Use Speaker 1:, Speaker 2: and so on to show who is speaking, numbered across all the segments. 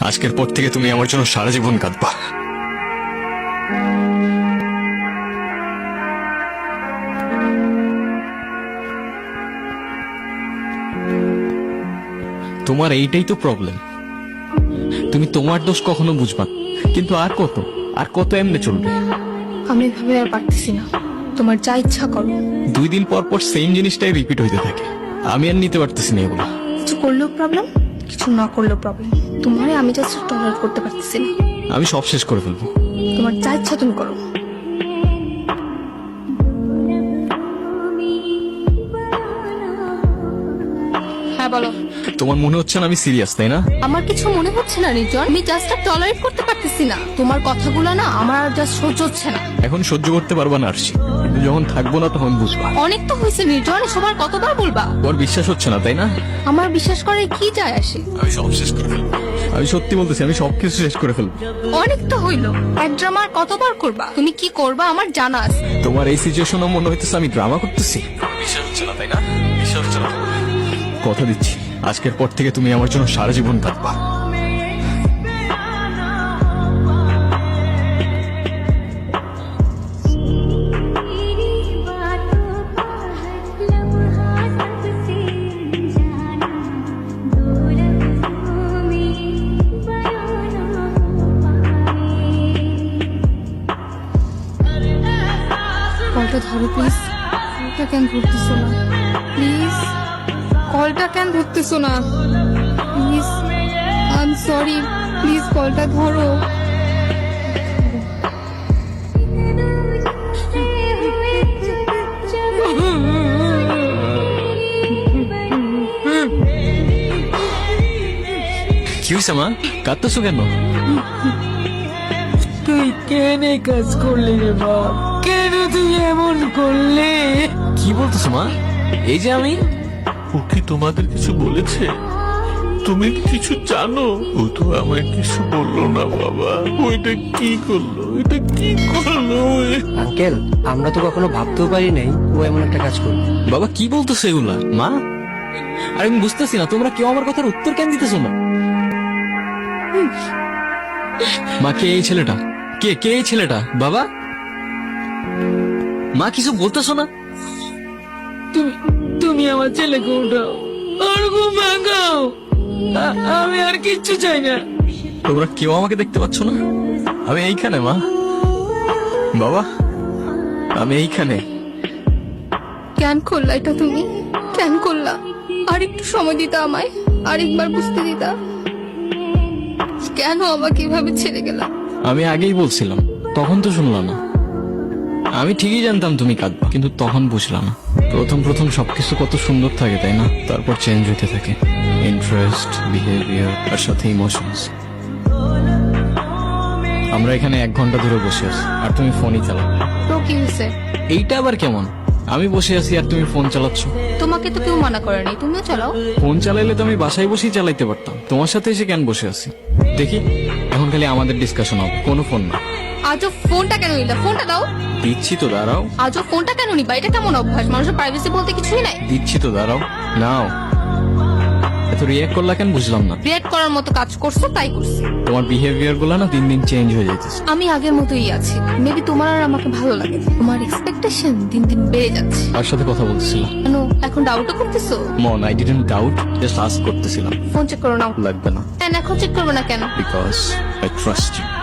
Speaker 1: আজকের পর থেকে তুমি আমার জন্য সারা জীবন কাঁদবা। তোমার এইটাই তো প্রবলেম, তুমি তোমার দোষ কখনো বুঝবা না। কিন্তু আর কত এমনি চলবে?
Speaker 2: আমি এভাবে আর পারতেছি না, তোমার যা ইচ্ছা করো।
Speaker 1: 2 দিন পর পর সেম জিনিসটাই রিপিট হইতে থাকে, আমি আর নিতে পারতেছি না এগুলো।
Speaker 2: কিছু করলেও প্রবলেম, কিছু না করলেও প্রবলেম। তোমারে আমি জাস্ট টলারেট করতে পারতেছি না।
Speaker 1: আমি সব শেষ করে ফেলবো।
Speaker 2: তোমার যা ইচ্ছা তুমি করো। হ্যাঁ বলো।
Speaker 1: তোমার মনে হচ্ছে না আমি সিরিয়াস, তাই না?
Speaker 2: আমার কিছু মনে হচ্ছে না নির্জন, আমি জাস্ট টলারেট করতে পারতেছি না। তোমার কথাগুলো না আমার আর জাস্ট সহ্য হচ্ছে না।
Speaker 1: এখন সহ্য করতে পারবা না আরশি, কিন্তু যখন থাকবো না তখন বুঝবা।
Speaker 2: অনেক তো হয়েছে নির্জন, সবার কতবার বলবা?
Speaker 1: তোমার বিশ্বাস হচ্ছে না, তাই না?
Speaker 2: আমার বিশ্বাস করে কি যায় আসে?
Speaker 1: আমি সব শেষ করে ফেলবো। আমি সত্যি বলতেছি, আমি সবকিছু শেষ করে ফেলবো।
Speaker 2: অনেক তো হইলো, এক ড্রামা আর কতবার করবা? তুমি কি করবা আমার জানা আছে।
Speaker 1: তোমার এই সিচুয়েশনে মনে হইতেছে আমি ড্রামা করতেছি। বিশ্বাস হচ্ছে না, তাই না? বিশ্বাস হচ্ছে না। কথা দিচ্ছি, আজকের পর থেকে তুমি আমার জন্য সারা জীবন কাঁদবা।
Speaker 2: কলটা ধরো প্লিজ। কলটা কেন ধরতেছো না প্লিজ? কলটা কেন ধরতেছো না please? I am sorry, please কলটা ধরো।
Speaker 1: কি হয়েছে মা, কাঁদতেছো কেন?
Speaker 3: তুই কেন এই কাজ করলি রে বাপ? কেন তুই এমন করলি?
Speaker 1: কি বলতেছো মা? এই যে আমি।
Speaker 4: ও কি তোমাদের কিছু বলেছে? তুমি কি কিছু জানো? ও তো আমায় কিছু বললো না বাবা। ও এটা কি করলো? এটা কি করলো?
Speaker 3: আঙ্কেল, আমরা তো কখনো ভাবতেও পারি নাই ও এমন একটা কাজ করবে।
Speaker 1: বাবা কি বলতেছো এগুলা মা? আর আমি বুঝতেছি না, তোমরা কেউ আমার কথার উত্তর কেন দিতেছো না? মা, কে এই ছেলেটা? কে এই ছেলেটা? বাবা, মা কিছু বলতেছো না?
Speaker 3: তুমি আমার ছেলেকে উঠাও, আর ঘুম ভাঙাও। আমি আর কিচ্ছু চাই না।
Speaker 1: তোমরা কেউ আমাকে দেখতে পাচ্ছ না? আমি এইখানে মা, বাবা, আমি এইখানে।
Speaker 2: কেন করলা এটা তুমি? কেন করলা? আর একটু সময় দিতা আমায়, আরেকবার বুঝতে দিতা। কেন আমাকে এভাবে ছেড়ে গেলা?
Speaker 1: আমি আগেই বলছিলাম, তখন তো শুনলা না। আমি ঠিকই জানতাম তুমি কাঁদবা, কিন্তু তখন বুঝলাম না। প্রথম সবকিছু কত সুন্দর থাকে, তাই না? তারপর চেঞ্জ হতে থাকে, ইন্টারেস্ট, বিহেভিয়ার, আর সাথে ইমোশনস। আমরা এখানে 1 ঘন্টা ধরে বসে আছি আর তুমি ফোনই চালাও।
Speaker 2: তো কি হয়েছে?
Speaker 1: এইটা আবার কেমন? আমি বসে আছি আর তুমি ফোন চালাচ্ছ।
Speaker 2: তোমাকে তো কেউ মানা করেনি, তুমিও চালাও।
Speaker 1: ফোন চালাইলে তো আমি বাসায় বসেই চালাইতে পারতাম, তোমার সাথে এসে কেন বসে আছি? দেখি, এখন খালি আমাদের ডিসকাশন হবে, কোনো ফোন না।
Speaker 2: আজও ফোনটা কেন নিলা? ফোনটা দাও।
Speaker 1: দিচ্ছি তো, দাঁড়াও।
Speaker 2: আজও ফোনটা কেন নিবা? এটা কেমন অভ্যাস? মানুষের প্রাইভেসি বলতে কিছুই নাই।
Speaker 1: দিচ্ছি তো, দাঁড়াও। নাও। এত রিয়াক্ট করলা কেন বুঝলাম না।
Speaker 2: রিয়েক্ট করার মতো কাজ করছো তাই করছি।
Speaker 1: তোমার বিহেভিয়ার গুলো না দিন দিন চেঞ্জ হয়ে যাইতেছে।
Speaker 2: আমি আগের মতোই আছি, মেবি তোমার আর আমাকে ভালো লাগে না। তোমার এক্সপেকটেশন দিন দিন বেড়ে যাচ্ছে।
Speaker 1: তার সাথে কথা বলছিলাম।
Speaker 2: কেন এখন ডাউটও করতেছো?
Speaker 1: মন, I didn't doubt, just ask করতেছিলাম।
Speaker 2: ফোন চেক করো নাও।
Speaker 1: লাগবে না,
Speaker 2: কেন এখন চেক করবে না কেন?
Speaker 1: Because I trust you.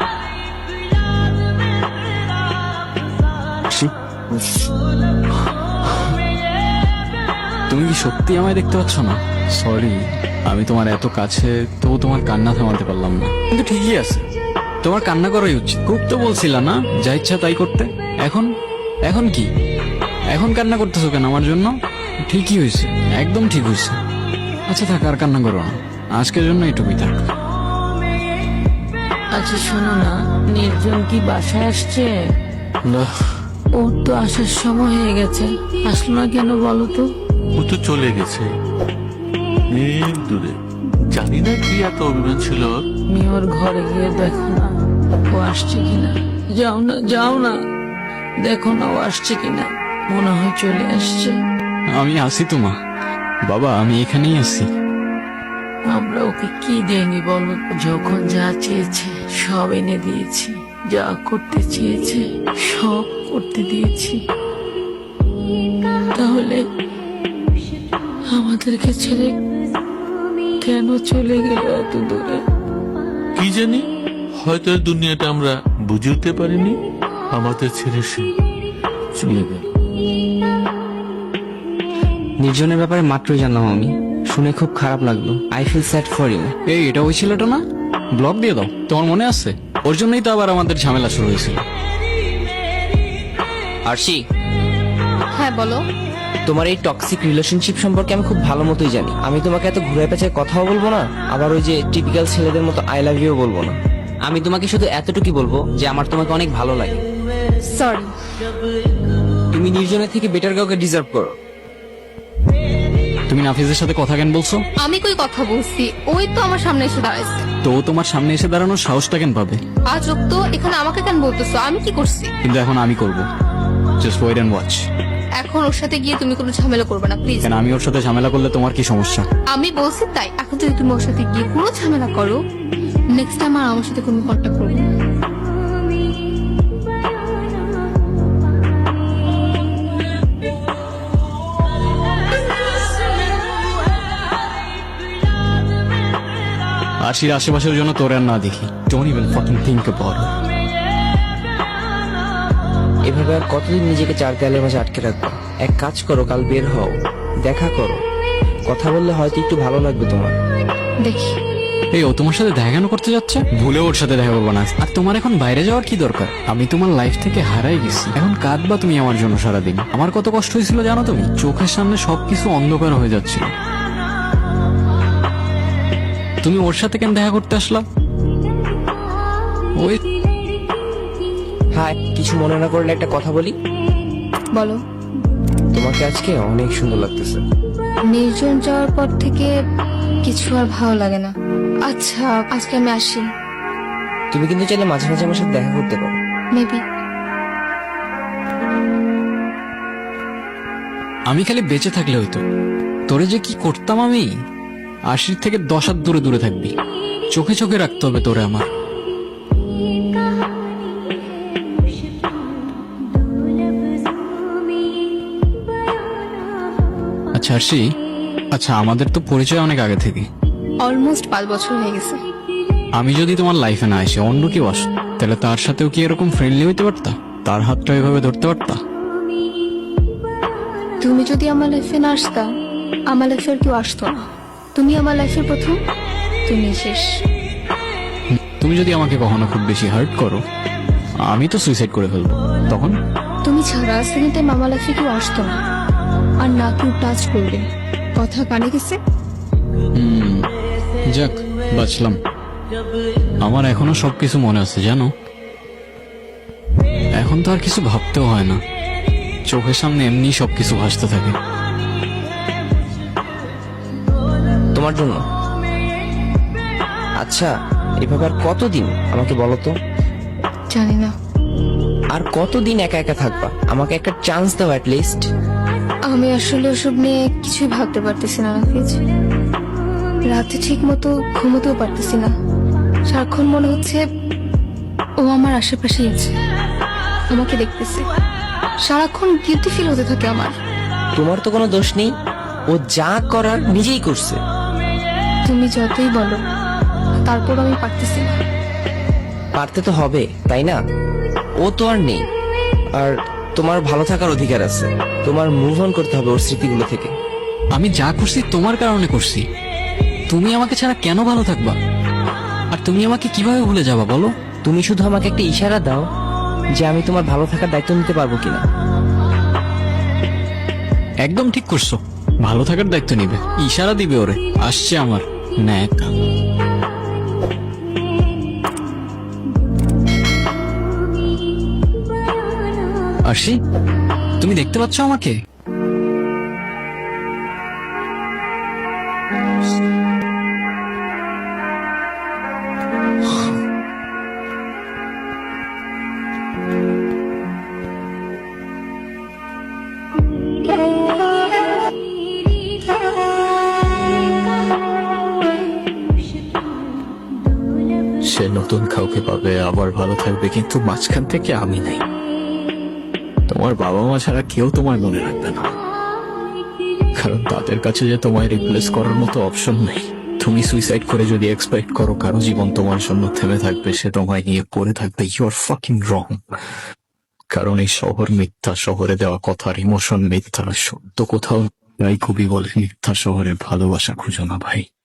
Speaker 1: তুমি কি সত্যি আমায় দেখতে পাচ্ছ না? সরি, আমি তোমার এত কাছে, তবু তোমার কান্না থামাতে পারলাম না। কিন্তু ঠিকই আছে, তোমার কান্না করাই উচিত। খুব তো বলছিলা না যা ইচ্ছা তাই করতে। এখন কি? এখন কান্না করতেছো কেন আমার জন্য? ঠিকই হয়েছে, একদম ঠিক হয়েছে। আচ্ছা থাক, আর কান্না করো না, আজকের জন্য এটুকুই থাক।
Speaker 5: আচ্ছা শোনো না, নির্জন কি বাসায় আসছে?
Speaker 1: না,
Speaker 5: ওর তো আসার সময় হয়ে গেছে, আসলো না কেন বলো তো?
Speaker 4: ও তো চলে গেছে অনেক দূরে। জানি না কি এত অভিমান ছিল ওর।
Speaker 5: তুমি ওর ঘরে গিয়ে দেখো না ও আসছে কিনা। যাও না, দেখো না ও আসছে কিনা। মনে হয় চলে আসছে।
Speaker 1: আমি আসি তো মা। বাবা, আমি এখানেই আছি।
Speaker 5: আমরা ওকে কি দেয়নি বলো? যখন যা চেয়েছে সব এনে দিয়েছি, যা করতে চেয়েছে সব করতে দিয়েছি। তাহলে আমাদেরকে ছেড়ে কেন চলে গেল এত দূরে?
Speaker 4: কি জানি, হয়তো এই দুনিয়াটা আমরা বুঝে উঠতে পারিনি। আমাদের ছেড়ে সে চলে গেল।
Speaker 6: নির্জনের ব্যাপারে মাত্রই জানলাম আমি, শুনে খুব খারাপ লাগলো। I feel sad for you.
Speaker 1: এই এটা ওই ছেলেটা না? ব্লক দিয়ে দাও, তোমার মনে আছে? ওর জন্যই তো আবার আমাদের ঝামেলা শুরু হয়েছিল।
Speaker 6: আরশি,
Speaker 2: হ্যাঁ বলো।
Speaker 6: তোমার এই টক্সিক রিলেশনশিপ সম্পর্কে আমি খুব ভালো মতোই জানি। আমি তোমাকে এত ঘুরে পেঁচায় কথাও বলবো না, আবার ওই যে টিপিক্যাল ছেলেদের মতো আই লাভ ইউ বলবো না। আমি তোমাকে শুধু এতটুকুই বলবো যে আমার তোমাকে অনেক ভালো লাগে।
Speaker 2: সরি।
Speaker 6: তুমি নির্জনের থেকে বেটার কাউকে ডিজার্ভ করো।
Speaker 1: তুমি নাফিজের সাথে কথা কেন বলছো?
Speaker 2: আমি কই কথা বলছি, ওই তো আমার সামনে এসে দাঁড়াইছে।
Speaker 1: তো ও তোমার সামনে এসে দাঁড়ানোর সাহসটা কেন পাবে?
Speaker 2: আজ তো এখানে আমাকে কেন বলতেছো? আমি কি করছি?
Speaker 1: কিন্তু এখন আমি করব। Just wait and watch.
Speaker 2: এখন ওর সাথে গিয়ে তুমি কোনো ঝামেলা করবে না প্লিজ।
Speaker 1: কেন, আমি ওর সাথে ঝামেলা করলে তোমার কি সমস্যা?
Speaker 2: আমি বলছি তাই। এখন যদি তুমি ওর সাথে গিয়ে কোনো ঝামেলা করো, নেক্সট টাইম আর আমার সাথে কোনো কন্ট্যাক্ট করবে না।
Speaker 1: আশির আশেপাশের জন্য তোর আর না দেখি। Don't even fucking think about it.
Speaker 6: এভাবে আর কতদিন নিজেকে চার দেয়ালের মাঝে আটকে রাখবো? এক কাজ করো, কাল বের হও, দেখা করো, কথা বললে হয়তো একটু ভালো লাগবে তোমার।
Speaker 2: দেখি।
Speaker 1: এই ও তোমার সাথে দেখা কেন করতে যাচ্ছে? ভুলেও ওর সাথে দেখা করবো না। আর তোমার এখন বাইরে যাওয়ার কি দরকার? আমি তোমার লাইফ থেকে হারাই গেছি, এখন কাঁদবা তুমি আমার জন্য সারাদিন। আমার কত কষ্ট হয়েছিল জানো তুমি? চোখের সামনে সবকিছু অন্ধকার হয়ে যাচ্ছিল। তুমি ওর সাথে কেন দেখা করতে আসলা? ওই
Speaker 6: হ্যাঁ, কিছু মনে না করলে একটা কথা বলি।
Speaker 2: বলো।
Speaker 6: তোমাকে আজকে অনেক সুন্দর লাগতেছে।
Speaker 2: নির্জন যাওয়ার পর থেকে কিছু আর ভালো লাগে না। আচ্ছা আজকে আমি আসি।
Speaker 6: তুমি কিন্তু চাইলে মাঝে মাঝে আমার সাথে দেখা করতে পারো।
Speaker 2: মেবি।
Speaker 1: আমি খালি বেঁচে থাকলে হইতো। তোরে যে কি করতাম আমি। আশির থেকে 10 হাত দূরে দূরে থাকবি। চোখে চোখে রাখতে হবে তোরে আমার। আচ্ছা আরশি, আচ্ছা আমাদের তো পরিচয় অনেক আগে থেকে।
Speaker 2: অলমোস্ট 5 বছর হয়ে গেছে।
Speaker 1: আমি যদি তোমার লাইফে না এসে অন্য কেউ আস, তাহলে তার সাথেও কি এরকম ফ্রেন্ডলি হইতে পারতা? তার হাতটা এভাবে ধরতে পারতা?
Speaker 2: তুমি যদি আমার লাইফে না আসতা, আমার লাইফে আর কেউ আসতো না। তুমি আমার লাইফের প্রথম, তুমি শেষ।
Speaker 1: তুমি যদি আমাকে কখনো খুব বেশি হার্ট করো, আমি তো সুইসাইড করে ফেলবো। তখন
Speaker 2: তুমি ছাড়া সেকেন্ড টাইম আমার লাইফে কেউ আসতো না, আর না কেউ টাচ করবে। কথা কানে গেছে?
Speaker 1: যাক, বাঁচলাম। আমার এখনো সবকিছু মনে আছে জানো। এখন তো আর কিছু ভাবতেও হয় না, চোখের সামনে এমনি সবকিছু ভাসতে থাকে।
Speaker 6: তোমার জন্য। আচ্ছা, এভাবে আর কতদিন আমাকে বলো তো?
Speaker 2: জানি না।
Speaker 6: আর কতদিন একা একা থাকবা? আমাকে একটা চান্স দাও অ্যাট লিস্ট।
Speaker 2: আমি আসলে ওসব নিয়ে কিছুই ভাবতে পারতেছি না নাফিজ। রাতে ঠিক মতো ঘুমোতেও পারতেছি না। সারাক্ষণ মনে হচ্ছে ও আমার আশেপাশেই আছে, আমাকে দেখতেছে। সারাক্ষণ গিলটি ফিল হতে থাকে আমার।
Speaker 6: তোমার তো কোনো দোষ নেই, ও যা করার নিজেই করছে।
Speaker 2: তুমি যতই বলো, তারপর আমি পারতেছি না।
Speaker 6: পারতে তো হবে, তাই না? ও তো আর নেই, আর তোমার ভালো থাকার অধিকার আছে। তোমার মুভ অন করতে হবে ওর স্মৃতিগুলো থেকে।
Speaker 1: আমি যা করছি তোমার কারণে করছি। তুমি আমাকে ছাড়া কেন ভালো থাকবা? আর তুমি আমাকে কিভাবে ভুলে যাবা বলো?
Speaker 6: তুমি শুধু আমাকে একটা ইশারা দাও যে আমি তোমার ভালো থাকার দায়িত্ব নিতে পারবো কিনা।
Speaker 1: একদম ঠিক করছো, ভালো থাকার দায়িত্ব নিবে। ইশারা দিবে ওরে, আসছে আমার ন্যাক। আরশি, তুমি দেখতে পাচ্ছ আমাকে? সে নতুন কাউকে পাবে, আবার ভালো থাকবে, কিন্তু মাঝখান থেকে আমি নেই। তোমার বাবা মা ছাড়া কেউ তোমায় মনে রাখবে না, কারণ তাদের কাছে যে তোমায় রিপ্লেস করার মতো অপশন নেই। তুমি সুইসাইড করে যদি এক্সপেক্ট করো কারো জীবন তোমার জন্য থেমে থাকবে, সে তোমায় নিয়ে পড়ে থাকবে, ইউ আর ফাকিং রং। কারণ এই শহর মিথ্যা, শহরে দেওয়া কথার ইমোশন মিথ্যা, সত্য কোথাও তাই কবি বলে মিথ্যা শহরে ভালোবাসা খুঁজো না ভাই।